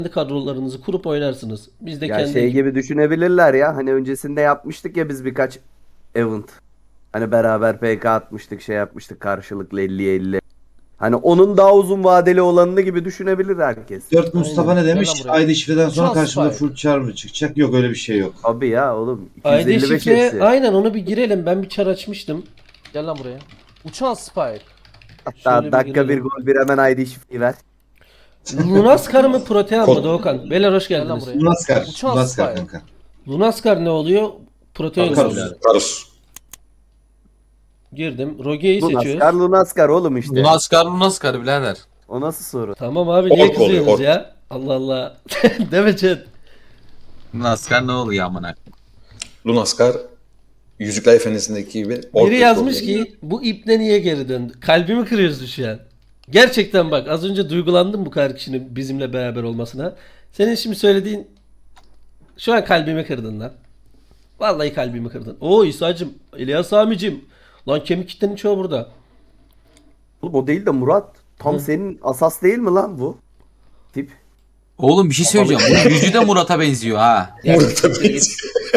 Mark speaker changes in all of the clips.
Speaker 1: kadrolarınızı kurup oynarsınız. Biz de
Speaker 2: Ya
Speaker 1: kendi
Speaker 2: şey gibi düşünebilirler ya. Hani öncesinde yapmıştık ya biz birkaç event. Hani beraber PK atmıştık, şey yapmıştık karşılıklı 50'ye 50. Hani onun daha uzun vadeli olanını gibi düşünebilir herkes.
Speaker 3: 4 Mustafa
Speaker 1: Aynen.
Speaker 3: ne
Speaker 4: Gel
Speaker 3: demiş?
Speaker 4: lan buraya.
Speaker 3: ID şifreden sonra
Speaker 4: Uçan
Speaker 3: karşımda
Speaker 4: Spike.
Speaker 3: full char mı çıkacak? Yok öyle bir şey yok.
Speaker 2: Abi ya oğlum
Speaker 1: ID
Speaker 2: 255
Speaker 1: şifreye
Speaker 2: hepsi.
Speaker 1: aynen onu bir girelim. Ben bir çar açmıştım.
Speaker 4: Gel lan buraya. Uçan Spike.
Speaker 2: Hatta
Speaker 1: Şöyle bir
Speaker 2: dakika bir
Speaker 1: girelim.
Speaker 2: gol bir hemen ID şifreyi ver.
Speaker 1: Lunaskar mı Protean mı
Speaker 3: Kod.
Speaker 1: Doğukan? Beyler hoş
Speaker 4: Gel lan
Speaker 1: geldiniz.
Speaker 4: buraya.
Speaker 3: Lunaskar.
Speaker 4: Uçan
Speaker 3: Lunaskar
Speaker 4: Spike.
Speaker 3: kanka.
Speaker 1: Lunaskar ne oluyor? Protean
Speaker 3: Karus.
Speaker 1: oluyor.
Speaker 3: Karus.
Speaker 1: Girdim. Roge'yi
Speaker 2: Lunaskar
Speaker 1: seçiyoruz.
Speaker 2: Lunaskar oğlum işte.
Speaker 5: Lunaskar birader.
Speaker 2: O nasıl soru?
Speaker 1: Tamam abi niye
Speaker 3: Ork oluyor,
Speaker 1: kızıyorsunuz
Speaker 3: ork.
Speaker 1: ya? Allah Allah. Deme chat.
Speaker 5: Lunaskar ne oluyor amına?
Speaker 6: Lunaskar Yüzükler Efendisi'ndeki gibi ork
Speaker 1: Biri yazmış
Speaker 6: oluyor.
Speaker 1: ki bu ipne niye geri döndü? Kalbimi kırıyorsun şu an. Gerçekten bak az önce duygulandım bu kadar kişinin bizimle beraber olmasına. Senin şimdi söylediğin şu an kalbimi kırdın lan. Vallahi kalbimi kırdın. Oo İsa'cım, İlyas Sami'cim. Lan kemik kitlenin çoğu burada.
Speaker 2: Oğlum o değil de Murat. Tam
Speaker 1: Hı.
Speaker 2: senin asas değil mi lan bu? Tip.
Speaker 5: Oğlum bir şey söyleyeceğim. Bunun yüzü de Murat'a benziyor ha.
Speaker 1: Ya,
Speaker 6: Murat'a
Speaker 1: siktir git.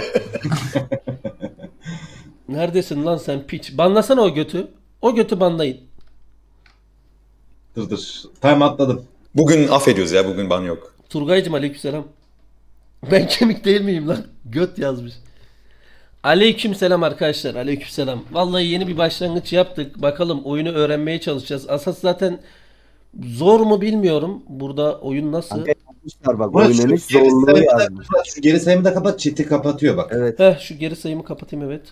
Speaker 1: Neredesin lan sen piç? Banlasana o götü. O götü banlayın.
Speaker 3: Dur dur. Time atladım.
Speaker 6: Bugün affediyoruz ya, bugün ban yok.
Speaker 1: Turgaycım aleykümselam. Ben kemik değil miyim lan? Göt yazmış. Aleykümselam arkadaşlar. Aleykümselam. Vallahi yeni bir başlangıç yaptık. Bakalım oyunu öğrenmeye çalışacağız. Asas zaten zor mu bilmiyorum. Burada oyun nasıl?
Speaker 2: Kanka yapmışlar bak
Speaker 3: Murat,
Speaker 2: oynanış
Speaker 3: geri
Speaker 2: zorluğu
Speaker 3: sayımı da-
Speaker 2: yazmış.
Speaker 3: Şu geri sayımı da kapat. Chat'i kapatıyor bak.
Speaker 2: Evet.
Speaker 1: Heh şu geri sayımı kapatayım evet.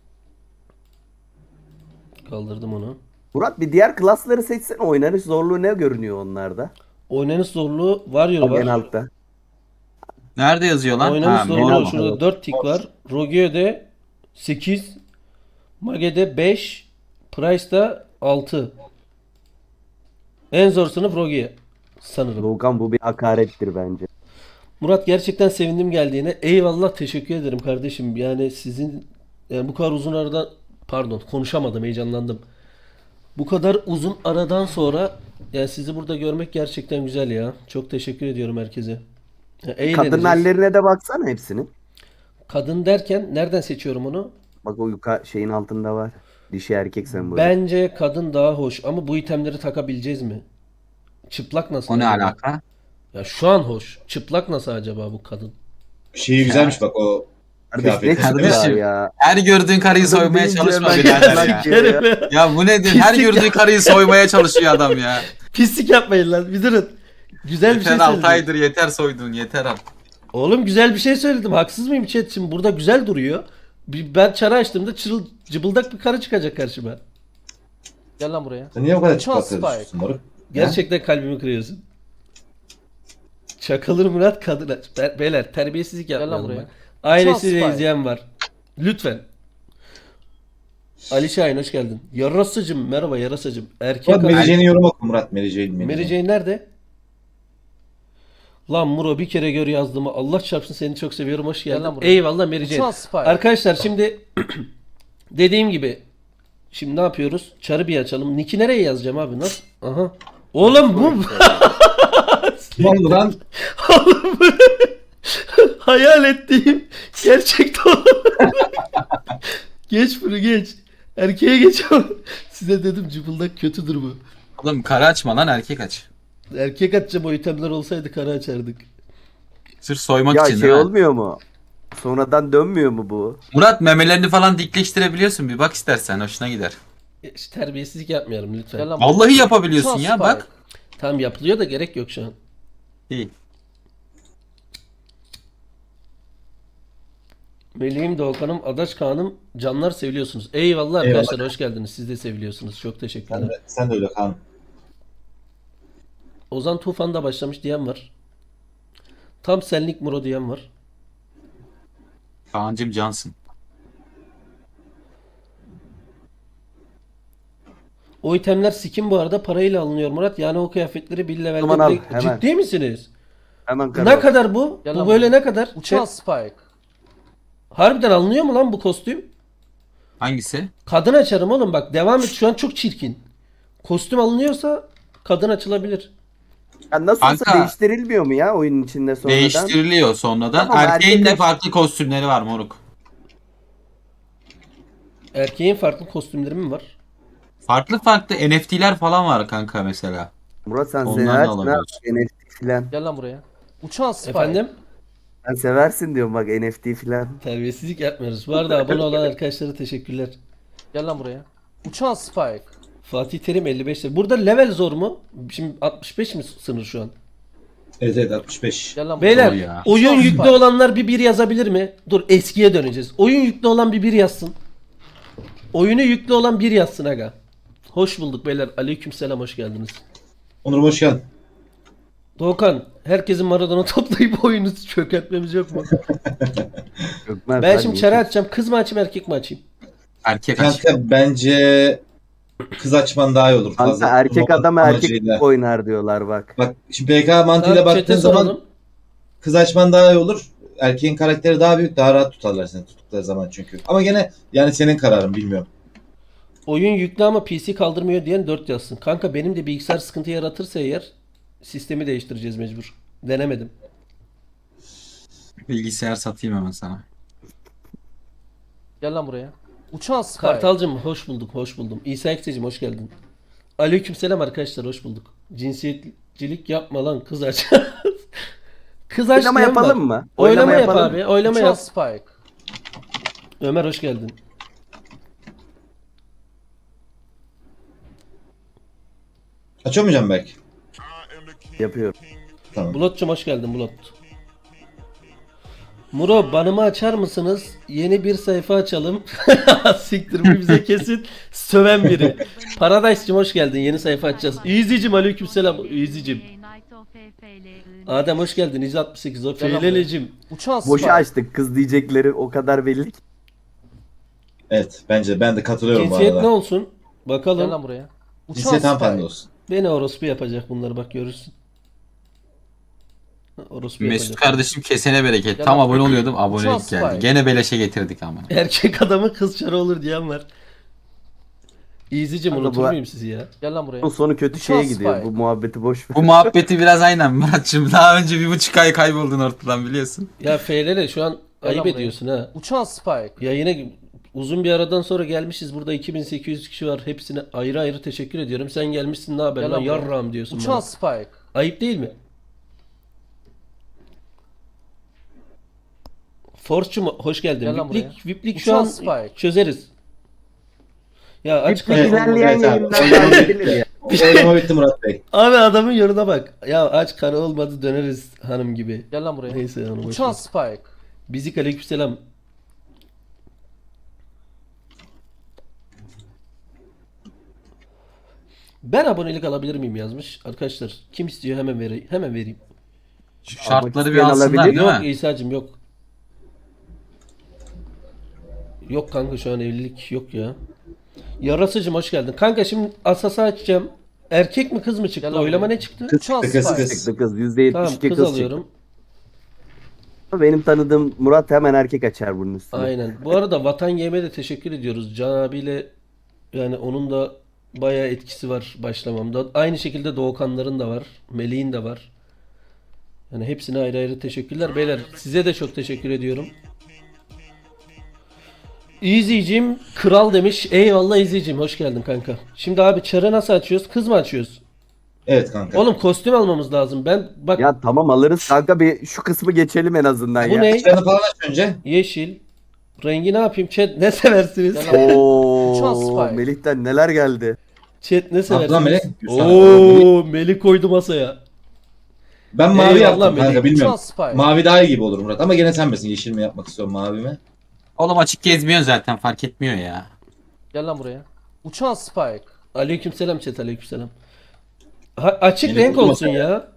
Speaker 1: Kaldırdım onu.
Speaker 2: Murat bir diğer klasları seçsene oynanış zorluğu ne görünüyor onlarda?
Speaker 1: Oynanış zorluğu Warrior
Speaker 2: En
Speaker 1: var.
Speaker 2: altta.
Speaker 5: Nerede yazıyor lan?
Speaker 1: Oynanış
Speaker 5: Ha,
Speaker 1: zorluğu
Speaker 2: normal.
Speaker 1: şurada 4 tik var. Rogeo'de 8. Mage'de 5. Price'da 6. En zor sınıf Roge sanırım.
Speaker 2: Doğukan bu bir hakarettir bence.
Speaker 1: Murat gerçekten sevindim geldiğine. Eyvallah teşekkür ederim kardeşim. Yani sizin yani bu kadar uzun aradan pardon konuşamadım heyecanlandım. Bu kadar uzun aradan sonra yani sizi burada görmek gerçekten güzel ya. Çok teşekkür ediyorum herkese. Ya,
Speaker 2: Kadın
Speaker 1: eğleneceğiz.
Speaker 2: hallerine de baksana hepsinin.
Speaker 1: Kadın derken nereden seçiyorum onu?
Speaker 2: Bak o şeyin altında var. Dişi erkek sembolü.
Speaker 1: Bence kadın daha hoş ama bu itemleri takabileceğiz mi? Çıplak nasıl
Speaker 5: O ne
Speaker 1: acaba?
Speaker 5: alaka?
Speaker 1: Ya şu an hoş. Çıplak nasıl acaba bu kadın?
Speaker 3: Şeyi güzelmiş bak o.
Speaker 2: Kardeş ne
Speaker 3: Kıyafet.
Speaker 2: çıkıyor
Speaker 5: Kardeşim.
Speaker 2: ya?
Speaker 5: Her gördüğün karıyı
Speaker 2: Kadın
Speaker 5: soymaya
Speaker 2: deyince
Speaker 5: çalışma
Speaker 2: hemen
Speaker 5: birader
Speaker 2: çıplak
Speaker 5: ya.
Speaker 2: diyor ya.
Speaker 5: Ya bu nedir? Her
Speaker 1: Pislik
Speaker 5: gördüğü karıyı soymaya çalışıyor adam ya.
Speaker 1: Pislik yapmayın lan. Bir durun. Güzel bir şey
Speaker 5: Yeter 6
Speaker 1: söyledim.
Speaker 5: aydır yeter soyduğun yeter al.
Speaker 1: Oğlum güzel bir şey söyledim. Haksız mıyım chat? Şimdi burada güzel duruyor. Ben çara açtığımda cıbıldak bir karı çıkacak karşıma.
Speaker 4: Gel lan buraya.
Speaker 3: Sen niye bu kadar
Speaker 4: Uçan
Speaker 3: çıkartıyorsun
Speaker 4: Spike.
Speaker 3: moruk?
Speaker 1: Gerçekten kalbimi kırıyorsun. Çakılır Murat kadın aç. Beyler terbiyesizlik
Speaker 4: Gel lan
Speaker 1: yapmayalım
Speaker 4: buraya.
Speaker 1: bak. Ailesiyle
Speaker 4: Uçan
Speaker 1: izleyen var. Lütfen. Ali Şahin hoş geldin. Yarasıcım merhaba yarasıcım. Erkek
Speaker 3: Murat Mary
Speaker 1: adam.
Speaker 3: Jane'i yorum oku Murat. Mary Jane.
Speaker 1: Mary Jane nerede? Lan Muro bir kere gör yazdığımı. Allah çarpsın seni çok seviyorum. Hoş
Speaker 4: Gel
Speaker 1: geldin.
Speaker 4: lan buraya.
Speaker 1: Eyvallah Mary
Speaker 4: Uçan
Speaker 1: Jane.
Speaker 4: Spike.
Speaker 1: Arkadaşlar şimdi dediğim gibi şimdi ne yapıyoruz? Çarı bir açalım. Nick'i nereye yazacağım abi? Nasıl? Aha. Oğlum bu
Speaker 3: Ne oldu lan?
Speaker 1: oğlum bu hayal ettiğim gerçekten geç bunu geç. Erkeğe geç ama size dedim cıbıldak kötüdür bu.
Speaker 5: Oğlum karı açma lan erkek aç.
Speaker 1: Erkek atacağım o itemler olsaydı kara açardık.
Speaker 5: Sırf soymak
Speaker 2: Ya
Speaker 5: için
Speaker 2: şey
Speaker 5: ha.
Speaker 2: olmuyor mu? Sonradan dönmüyor mu bu?
Speaker 5: Murat memelerini falan dikleştirebiliyorsun bir bak istersen hoşuna gider.
Speaker 1: İşte terbiyesizlik yapmayalım lütfen.
Speaker 4: Gel lan buraya.
Speaker 5: Vallahi yapabiliyorsun
Speaker 4: Uçan
Speaker 5: ya
Speaker 4: Spike.
Speaker 5: bak.
Speaker 1: Tam yapılıyor da gerek yok şu an.
Speaker 5: İyi.
Speaker 1: Meleğim Doğukan'ım, Adaş Kaan'ım, canlar seviliyorsunuz. Eyvallah arkadaşlar hoş geldiniz. Siz de seviliyorsunuz. Çok teşekkürler.
Speaker 3: Sen de öyle Kaan.
Speaker 1: Ozan Tufan da başlamış diyen var. Tam senlik Muro diyen var.
Speaker 5: Kaan'cım cansın.
Speaker 1: O itemler skin bu arada parayla alınıyor Murat. Yani o kıyafetleri bir levelde
Speaker 2: Aman al,
Speaker 1: bile...
Speaker 2: hemen.
Speaker 1: Ciddi misiniz?
Speaker 2: Hemen
Speaker 1: Ne
Speaker 2: karar.
Speaker 1: kadar bu?
Speaker 4: Gel
Speaker 1: Bu
Speaker 4: lan
Speaker 1: böyle
Speaker 4: buraya.
Speaker 1: ne kadar?
Speaker 4: Uçan Spike.
Speaker 1: Harbiden alınıyor mu lan bu kostüm?
Speaker 5: Hangisi?
Speaker 1: Kadın açarım oğlum bak devam et şu an çok çirkin. Kostüm alınıyorsa kadın açılabilir.
Speaker 2: Ya nasıl olsa
Speaker 5: Kanka,
Speaker 2: değiştirilmiyor mu ya oyunun içinde sonradan?
Speaker 5: Değiştiriliyor sonradan.
Speaker 2: Tamam,
Speaker 5: Erkeğin de
Speaker 2: erkekler-
Speaker 5: farklı kostümleri var moruk.
Speaker 1: Erkeğin farklı kostümleri mi var?
Speaker 5: Farklı farklı NFT'ler falan var kanka mesela.
Speaker 2: Murat sen
Speaker 5: Ondan da
Speaker 2: seversin ha
Speaker 5: alabiliyorsun.
Speaker 2: NFT filan.
Speaker 4: Gel lan buraya. Uçan Spike.
Speaker 1: Efendim?
Speaker 2: Sen seversin diyorum bak NFT filan.
Speaker 1: Terbiyesizlik yapmıyoruz. Bu arada abone olan arkadaşlara teşekkürler.
Speaker 4: Gel lan buraya. Uçan Spike.
Speaker 1: Fatih Terim 55 lira. Burada level zor mu? Şimdi 65 mi sınır şu an?
Speaker 3: Evet evet 65.
Speaker 4: Gel lan buraya.
Speaker 1: Beyler
Speaker 5: Zor ya.
Speaker 1: oyun
Speaker 4: Uçan
Speaker 1: yüklü
Speaker 4: Spike.
Speaker 1: olanlar bir yazabilir mi? Dur eskiye döneceğiz. Oyun yüklü olan bir yazsın. Oyunu yüklü olan bir yazsın aga. Hoş bulduk beyler. Aleykümselam hoş geldiniz.
Speaker 3: Onur hoş geldin.
Speaker 1: Doğukan herkesin Maradona toplayıp oyunu çökertmemiz yok mu?
Speaker 2: Gökmen,
Speaker 1: Ben
Speaker 2: sen
Speaker 1: şimdi
Speaker 2: iyi
Speaker 1: çare
Speaker 2: misin?
Speaker 1: açacağım. Kız mı açayım erkek mi açayım?
Speaker 5: Erkek aç.
Speaker 3: Kanka bence kız açman daha iyi olur.
Speaker 2: Kanka erkek
Speaker 3: turnuva
Speaker 2: adam erkek
Speaker 3: amacıyla.
Speaker 2: oynar diyorlar bak.
Speaker 3: Bak şimdi PK mantığıyla
Speaker 1: Tamam,
Speaker 3: baktığın
Speaker 1: chat'e
Speaker 3: zaman
Speaker 1: soralım.
Speaker 3: kız açman daha iyi olur. Erkeğin karakteri daha büyük, daha rahat tutarlar seni tuttukları zaman çünkü. Ama gene yani senin kararın bilmiyorum.
Speaker 1: Oyun yüklü ama PC kaldırmıyor diyen 4 yazsın. Kanka benim de bilgisayar sıkıntı yaratırsa eğer sistemi değiştireceğiz mecbur. Denemedim.
Speaker 5: Bilgisayar satayım hemen sana.
Speaker 4: Gel lan buraya. Uçan Spike.
Speaker 1: Kartalcım hoş bulduk, hoş buldum. İsa Ekseciğim hoş geldin. Aleykümselam arkadaşlar hoş bulduk. Cinsiyetçilik yapma lan kız aç. Kız aç
Speaker 2: Oylama
Speaker 1: diyen var.
Speaker 2: yapalım mı?
Speaker 1: Oylama yap
Speaker 2: yapalım.
Speaker 1: abi. Oylama
Speaker 4: Uçan
Speaker 1: yap.
Speaker 4: Spike.
Speaker 1: Ömer hoş geldin.
Speaker 3: Açamayacağım belki.
Speaker 2: Yapıyorum.
Speaker 3: Tamam.
Speaker 1: Bulut'cum hoş geldin Bulut. Muro banımı açar mısınız? Yeni bir sayfa açalım. Siktir bu bize kesin söven biri. Paradise'cim hoş geldin. Yeni sayfa açacağız. Easy'cim aleykümselam. Easy'cim. Adem hoş geldin. 168 o
Speaker 4: Gel lan
Speaker 1: Feylelecim.
Speaker 4: Uçan Spike.
Speaker 2: Boşa açtık kız diyecekleri o kadar belli ki.
Speaker 3: Evet bence ben de katılıyorum bu
Speaker 1: Cinsiyet ne
Speaker 3: arada.
Speaker 1: olsun?
Speaker 4: Gel
Speaker 1: Bakalım.
Speaker 4: lan buraya. Uçan
Speaker 3: Cinsiyet hanımefendi
Speaker 4: Spike.
Speaker 3: olsun.
Speaker 1: Beni orospu yapacak bunları bak görürsün. Orospu
Speaker 5: Mesut
Speaker 1: yapacak.
Speaker 5: kardeşim kesene bereket.
Speaker 4: Gel
Speaker 5: Tam
Speaker 4: lan.
Speaker 5: abone oluyordum.
Speaker 4: Uçan
Speaker 5: Abonelik
Speaker 4: Spike.
Speaker 5: geldi. Gene beleşe getirdik ama.
Speaker 1: Erkek adamı kız çarı olur diyen var. Easy'cim
Speaker 2: Kanka
Speaker 1: unutur
Speaker 2: bu-
Speaker 1: muyum sizi ya?
Speaker 4: Gel lan buraya.
Speaker 2: Bunun sonu kötü
Speaker 4: Uçan
Speaker 2: şeye gidiyor.
Speaker 4: Spike.
Speaker 2: Bu muhabbeti boş ver.
Speaker 5: Bu muhabbeti biraz aynen Murat'cığım. Daha önce 1,5 ay kayboldun ortadan biliyorsun.
Speaker 1: Ya Feylele şu an
Speaker 4: Gel
Speaker 1: ayıp
Speaker 4: lan buraya.
Speaker 1: ediyorsun ha.
Speaker 4: Uçan Spike.
Speaker 1: Ya yine uzun bir aradan sonra gelmişiz. Burada 2800 kişi var. Hepsine ayrı ayrı teşekkür ediyorum. Sen gelmişsin ne haber
Speaker 4: Gel
Speaker 1: lan
Speaker 4: lan buraya.
Speaker 1: yarram diyorsun
Speaker 4: Uçan
Speaker 1: bana.
Speaker 4: Spike.
Speaker 1: Ayıp değil mi? Forçum hoş geldin.
Speaker 4: Gel lan
Speaker 1: Viplik şu
Speaker 4: Uçan
Speaker 1: an
Speaker 4: Spike.
Speaker 1: çözeriz. Ya aç
Speaker 2: Bir
Speaker 1: karı.
Speaker 2: ilerleyen
Speaker 3: Evet abi.
Speaker 2: yayınlarda halledebilir ya.
Speaker 3: Oylama bitti Murat Bey.
Speaker 1: Abi adamın yoruna bak. Ya aç karı olmadı döneriz hanım gibi.
Speaker 4: Gel lan buraya.
Speaker 1: Neyse onu boş
Speaker 4: Uçan
Speaker 1: ver.
Speaker 4: Spike.
Speaker 1: Bizik aleykümselam. Ben abonelik alabilir miyim yazmış. Arkadaşlar kim istiyor hemen vereyim. Hemen vereyim.
Speaker 5: Şu şartları bir
Speaker 2: isteyen
Speaker 5: alsınlar
Speaker 2: alabilir.
Speaker 5: değil
Speaker 1: Yok
Speaker 5: mi?
Speaker 1: İsa'cığım yok. Yok kanka şu an evlilik yok ya. Yarasıcım hoş geldin. Kanka şimdi Asas'ı açacağım. Erkek mi kız mı çıktı?
Speaker 4: Gel lan
Speaker 1: Oylama
Speaker 4: buraya.
Speaker 1: ne çıktı?
Speaker 4: Uçan
Speaker 3: kız,
Speaker 4: Spike.
Speaker 3: kız.
Speaker 2: Çıktı kız. %72
Speaker 1: Tamam
Speaker 2: kız,
Speaker 1: kız
Speaker 2: çıktı.
Speaker 1: alıyorum.
Speaker 2: Benim tanıdığım Murat hemen erkek açar bunun üstüne.
Speaker 1: Aynen. Bu arada Vatan Yeme'ye de teşekkür ediyoruz. Can abiyle yani onun da bayağı etkisi var başlamamda. Aynı şekilde Doğukanların da var. Melih'in de var. Yani hepsine ayrı ayrı teşekkürler. Beyler size de çok teşekkür ediyorum. Easy'cim kral demiş. Eyvallah Easy'cim hoş geldin kanka. Şimdi abi çarı nasıl açıyoruz? Kız mı açıyoruz?
Speaker 3: Evet kanka.
Speaker 1: Oğlum kostüm almamız lazım. Ben bak
Speaker 2: Ya tamam alırız kanka bir şu kısmı geçelim en azından
Speaker 1: bu
Speaker 2: ya.
Speaker 1: ne?
Speaker 3: Canı falan aç önce.
Speaker 1: Yeşil. Rengi ne yapayım? Chat ne seversiniz?
Speaker 4: Gel lan. Uçan
Speaker 2: Oo
Speaker 4: Spike.
Speaker 2: Melih'ten neler geldi.
Speaker 1: Chat ne
Speaker 3: Abdullah Melih.
Speaker 1: seversiniz? Oo Melih koydu masaya.
Speaker 3: Ben mavi
Speaker 1: Eyvallah
Speaker 3: yaptım
Speaker 1: Melih.
Speaker 3: kanka bilmiyorum.
Speaker 4: Uçan Spike.
Speaker 3: Mavi daha iyi gibi olur Murat ama gene sen misin? Yeşil mi yapmak istiyorum mavi mi?
Speaker 5: Oğlum açık gezmiyorsun zaten fark etmiyor ya.
Speaker 4: Gel lan buraya. Uçan Spike.
Speaker 1: Aleykümselam chat aleykümselam. Açık
Speaker 3: Melih
Speaker 1: renk
Speaker 3: koydu
Speaker 1: olsun
Speaker 3: masaya.
Speaker 1: ya.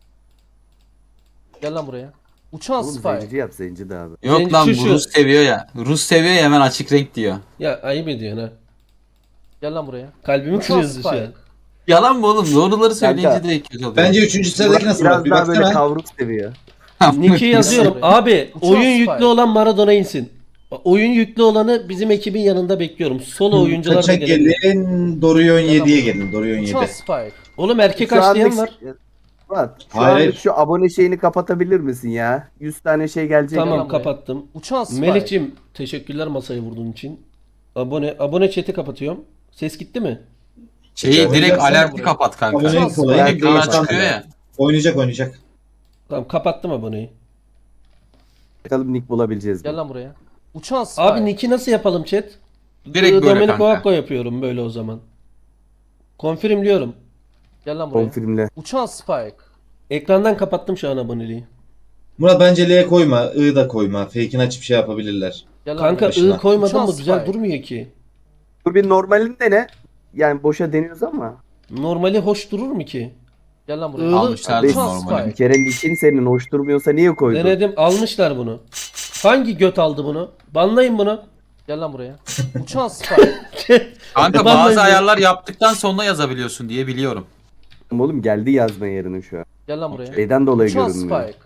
Speaker 4: Gel lan buraya. Uçan
Speaker 2: Oğlum
Speaker 4: Spike.
Speaker 2: zenci yap zenci de abi.
Speaker 5: Yok
Speaker 1: Zenci
Speaker 5: lan
Speaker 1: şu
Speaker 5: bu
Speaker 1: şu.
Speaker 5: Rus seviyor ya. Rus seviyor ya hemen açık renk diyor.
Speaker 1: Ya ayıp ediyorsun ha.
Speaker 4: Gel lan buraya.
Speaker 1: Kalbimi
Speaker 4: Uçan
Speaker 1: kırıyorsun şu an.
Speaker 4: Spike.
Speaker 5: Yalan mı oğlum? Doğruları söyleyince
Speaker 2: Kanka,
Speaker 5: direkt kötü oluyor.
Speaker 3: Bence 3. sıradaki
Speaker 2: Murat
Speaker 3: nasıl Murat?
Speaker 2: biraz
Speaker 3: Bir
Speaker 2: daha böyle
Speaker 3: baksana.
Speaker 2: kavruk seviyor.
Speaker 1: Nick'i yazıyorum.
Speaker 4: Gel buraya.
Speaker 1: Abi
Speaker 4: Uçan
Speaker 1: oyun
Speaker 4: Spike.
Speaker 1: yüklü olan Maradona insin. Oyun yüklü olanı bizim ekibin yanında bekliyorum. Solo oyuncular da
Speaker 3: Kaça
Speaker 1: gelebilir.
Speaker 3: gelin? Dorion
Speaker 4: Gel lan
Speaker 3: 7'ye
Speaker 4: buraya.
Speaker 3: gelin. Dorion 7.
Speaker 4: Uçan Spike.
Speaker 1: Oğlum erkek
Speaker 2: Şu
Speaker 1: açlayan
Speaker 2: anlık-
Speaker 1: var.
Speaker 2: Murat, şu
Speaker 3: Hayır,
Speaker 2: anlık
Speaker 3: hayır.
Speaker 2: şu abone şeyini kapatabilir misin ya? 100 tane şey gelecek.
Speaker 1: Tamam
Speaker 4: lan buraya.
Speaker 1: kapattım.
Speaker 4: Uçan Spike.
Speaker 1: Melih'cim teşekkürler masayı vurduğun için. Abone chat'i kapatıyorum. Ses gitti mi?
Speaker 5: Şeyi direkt
Speaker 3: Oynayacaksan
Speaker 5: alerti
Speaker 4: buraya.
Speaker 5: kapat kanka.
Speaker 3: Abonenin kolayı.
Speaker 5: Ekrana
Speaker 2: Değil.
Speaker 5: çıkıyor ya.
Speaker 3: Oynayacak.
Speaker 1: Tamam kapattım aboneyi.
Speaker 2: Bakalım nick bulabileceğiz mi?
Speaker 4: Gel lan buraya. Uçan Spike.
Speaker 1: Abi nick'i nasıl yapalım chat?
Speaker 5: Direkt böyle
Speaker 1: Domenico
Speaker 5: kanka.
Speaker 1: Hakko yapıyorum böyle o zaman. Confirmliyorum.
Speaker 4: Gel lan buraya.
Speaker 2: Konfirmle.
Speaker 4: Uçan Spike.
Speaker 1: Ekrandan kapattım şu an aboneliği.
Speaker 3: Murat bence L'ye koyma. I da koyma. Fake'ini açıp şey yapabilirler.
Speaker 4: Gel lan
Speaker 1: Kanka
Speaker 4: buraya.
Speaker 3: başına.
Speaker 1: ı koymadın
Speaker 4: Uçan
Speaker 1: mı güzel
Speaker 4: Spike.
Speaker 1: durmuyor ki.
Speaker 2: Dur bir normalinde ne? Yani boşa deniyoruz ama.
Speaker 1: Normali hoş durur mu ki?
Speaker 4: Gel lan buraya.
Speaker 1: Iğlı-
Speaker 5: Almışlardı
Speaker 4: Uçan
Speaker 5: normali.
Speaker 2: Bir
Speaker 4: Spike.
Speaker 2: kere nickin senin hoş durmuyorsa niye koydun?
Speaker 1: Denedim almışlar bunu. Hangi göt aldı bunu? Banlayın bunu.
Speaker 4: Gel lan buraya. Uçan Spike.
Speaker 5: Kanka
Speaker 1: Banlayın
Speaker 5: bazı
Speaker 1: bunu.
Speaker 5: ayarlar yaptıktan sonra yazabiliyorsun diye biliyorum.
Speaker 2: Oğlum geldi yazma yerine şu an.
Speaker 4: Gel lan buraya.
Speaker 2: Şeyden dolayı
Speaker 4: Uçan
Speaker 2: görünmüyor.
Speaker 4: Spike.